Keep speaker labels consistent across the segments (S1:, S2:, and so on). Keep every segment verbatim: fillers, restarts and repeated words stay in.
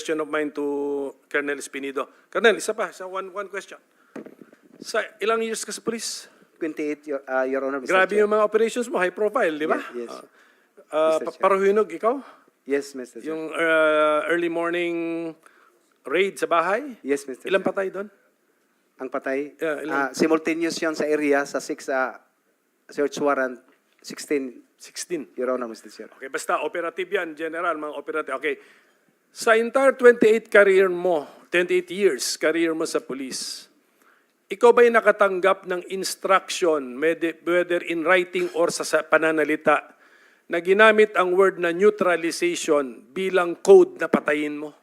S1: question of mine to Colonel Espinido. Colonel, isa pa, sa one, one question. Sa ilang years ka sa police?
S2: twenty-eight, Your, uh, Your Honor, Mister
S1: Grabe
S2: Chair.
S1: yung mga operations mo, high profile, di ba?
S2: Yes, yes.
S1: Uh, uh,
S2: Mister
S1: pa-
S2: Chair.
S1: Paruhinog, ikaw?
S2: Yes, Mister Chair.
S1: Yung uh, early morning raid sa bahay?
S2: Yes, Mister
S1: Ilang
S2: Chair.
S1: patay doon?
S2: Ang patay?
S1: Yeah, ilan?
S2: Ah, simultaneous yun sa area, sa six uh, search warrant, sixteen,
S1: sixteen.
S2: Your Honor, Mister Chair.
S1: Okay, basta operative yan, general, mga operative. Okay. Sa entire twenty-eight career mo, twenty-eight years career mo sa police, ikaw ba'y nakatanggap ng instruction, whether in writing or sa sa pananalita, na ginamit ang word na neutralization bilang code na patayin mo?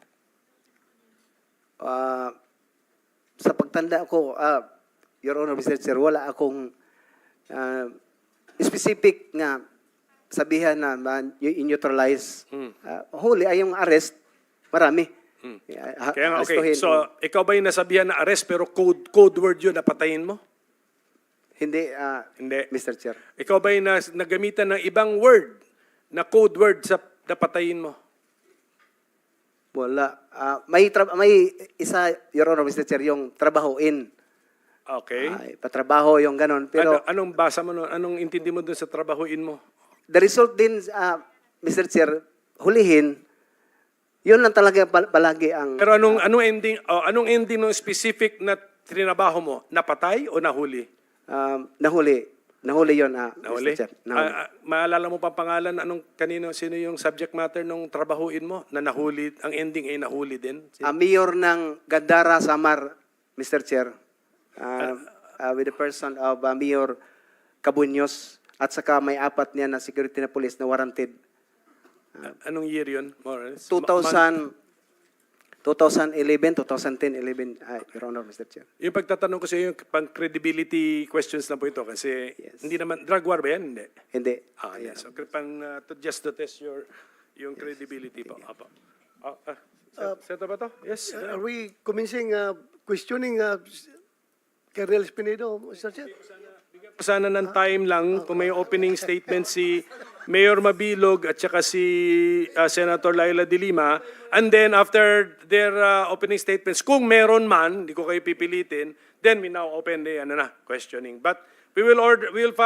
S2: Ah, sa pagtanda ko, ah, Your Honor, Mister Chair, wala akong ah, specific nga sabihan na man, i-neutralize.
S1: Hmm.
S2: Ah, huli ay yung arrest, marami.
S1: Hmm.
S2: Ah,
S1: Kaya nga, okay.
S2: arestuhin.
S1: So, ikaw ba'y nasabihan na arrest pero code, code word yun na patayin mo?
S2: Hindi, ah,
S1: Hindi.
S2: Mister Chair.
S1: Ikaw ba'y nas, nagamitan ng ibang word na code word sa napatayin mo?
S2: Wala. Ah, may, tra- may isa, Your Honor, Mister Chair, yung trabahoin.
S1: Okay.
S2: Ay, patrabaho yung ganon. Pero
S1: ano, anong basa mo nun? Anong intindi mo dun sa trabahuin mo?
S2: the result din, ah, Mister Chair, hulihin, yun lang talaga pal- palagi ang...
S1: Pero anong anong ending oh, anong ending ng specific na trinabaho mo? Napatay o nahuli?
S2: um, nahuli. Nahuli yun, ah,
S1: Nahuli?
S2: Mister Chair. Nahuli.
S1: Ah, ah, maalala mo pa pangalan anong kanino sino yung subject matter nung trabahuin mo na nahuli, ang ending ay nahuli din? Sino?
S2: Ah, mayor ng Gandara, Samar, Mister Chair, ah, ah, with the person of ah, Mayor Cabuños, at saka may apat niya na security na police na warranted.
S1: Ah, anong year yun? More or less?
S2: two
S1: Ma-
S2: thousand, twenty eleven, twenty ten, eleven, ah, Your Honor, Mister Chair.
S1: Yung pagtatanong ko sa iyo, yung pang credibility questions lang po ito kasi
S2: Yes.
S1: hindi naman drug war ba yan? Hindi.
S2: Hindi.
S1: Ah, yes. So, pang uh, to, just to test your yung credibility po. Apo. Ah, ah, set, set ba to? Yes.
S3: Uh, Are we commencing uh, questioning uh, Colonel Espinido, Mister Chair?
S1: Sana ng time lang kung may opening statement si Mayor Mabilog at saka si uh, Senator Laila de Lima, and then after their uh, opening statements, kung meron man, hindi ko kayo pipilitin, then we now open the ano na, questioning. But we will order we will